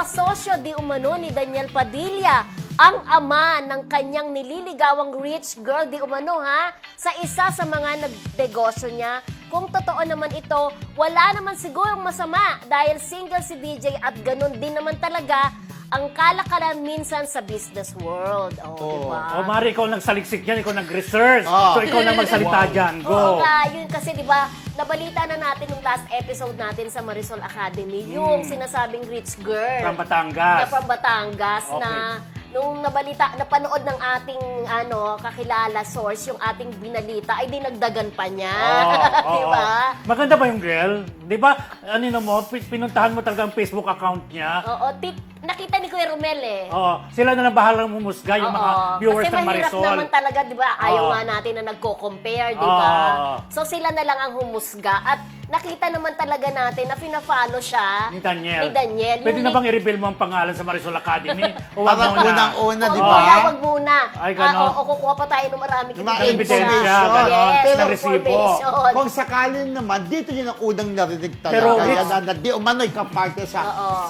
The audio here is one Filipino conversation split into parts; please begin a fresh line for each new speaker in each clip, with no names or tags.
kasosyo di umano ni Daniel Padilla ang ama ng kanyang nililigawang rich girl di umano sa isa sa mga nagnegosyo niya. Kung totoo naman ito, wala naman sigurong masama dahil single si DJ at ganun din naman talaga ang kalakalan minsan sa business world. Diba?
Mari, ikaw nagsaliksik yan, ikaw nag-research. So, ikaw na magsalita dyan. Go.
Oo nga, yun kasi diba, nabalita na natin yung last episode natin sa Marisol Academy, yung sinasabing rich girl.
From Batangas.
From Batangas na nung napanood ng ating kakilala source, yung ating binalita, ay dinagdagan pa niya. Diba?
Maganda ba yung girl? Diba, pinuntahan mo talaga ang Facebook account niya.
Oo, nakita ni Kuya Romel
Sila na lang bahalang mumusga, yung mga viewers ng Marisol.
Kasi mahirap naman talaga, di ba? Ayaw nga natin na nagko-compare, di ba? So sila na lang ang humusga at nakita naman talaga natin na pina-follow siya
Ni Daniel. Pwede
Yung
na bang i-reveal mo ang pangalan sa Marisol Academy? O wag
Parang
muna?
unang-una, di
Oo,
ba?
wag muna.
Ay, ganon.
O kukuha pa tayo ng marami
Mga
ebidensya, ganon.
Yes,
Pero
ng
resibo.
information.
Kung sakali naman, dito yun ang unang narinig talaga.
Pero
Kaya
Rich-
na di umano'y kaparte sa,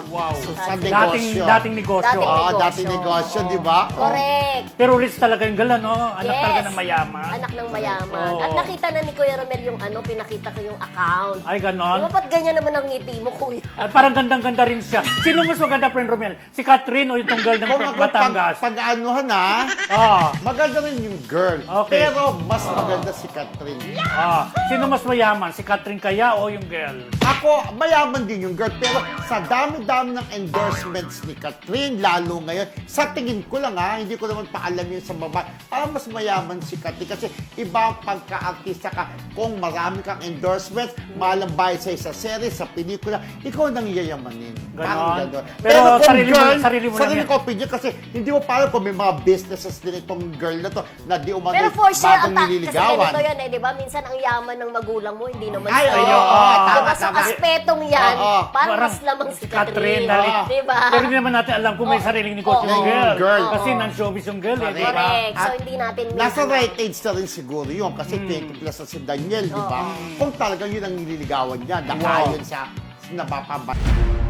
sa negosyo.
Dating negosyo.
Dating negosyo, di ba?
Correct.
Pero rich talaga yung girl, Anak
Yes.
talaga ng mayaman.
Anak ng mayaman.
Oo.
At nakita na ni Kuya Romel yung pinakita ko yung account.
Ay,
Di
ganon.
ba, ba't ganyan naman ang ngiti mo, Kuya?
At parang gandang-ganda rin siya. Sino mas maganda, friend Romel? Si Catherine o itong girl ng
Kung ako
Batangas?
pag-anuhan maganda rin yung girl.
Okay.
Pero mas maganda si Catherine.
Sino mas mayaman? Si Catherine kaya o yung girl?
Ako, mayaman din yung girl. Pero sa dami-dami ng endorsements ni Catherine, lalo ngayon, sa tingin ko lang hindi ko naman paalam yun sa babae. Parang mas mayaman si Catherine kasi iba ang pagka-artista ka. Kung marami kang endorsements, malang bayad sa series, sa pelikula, ikaw nang yayamanin. Parang
Ganon.
gano'n.
Pero
kung
sarili mo-
girl,
sarili mo lang
sarili
yan.
ko opinion kasi hindi mo parang kung may mga businesses din itong girl na to na di umano'y
Pero for sure,
bagong
kasi
nililigawan.
ganito yan di ba? Minsan ang yaman ng magulang mo, hindi naman
Ay,
sa'yo.
oo,
Diba,
tama,
sa
tama.
aspetong yan, parang mas lamang si Catherine.
dahil-
Di ba?
Pero hindi naman natin alam kung may sariling negosyo yung girl.
girl.
Kasi non-showbiz yung girl, di ba?
Correct. So,
At
hindi natin...
Nasa right age na rin siguro yun kasi 20 plus na si Daniel, di ba? Kung talagang yun ang nililigawan niya, nakayon sa napapabay.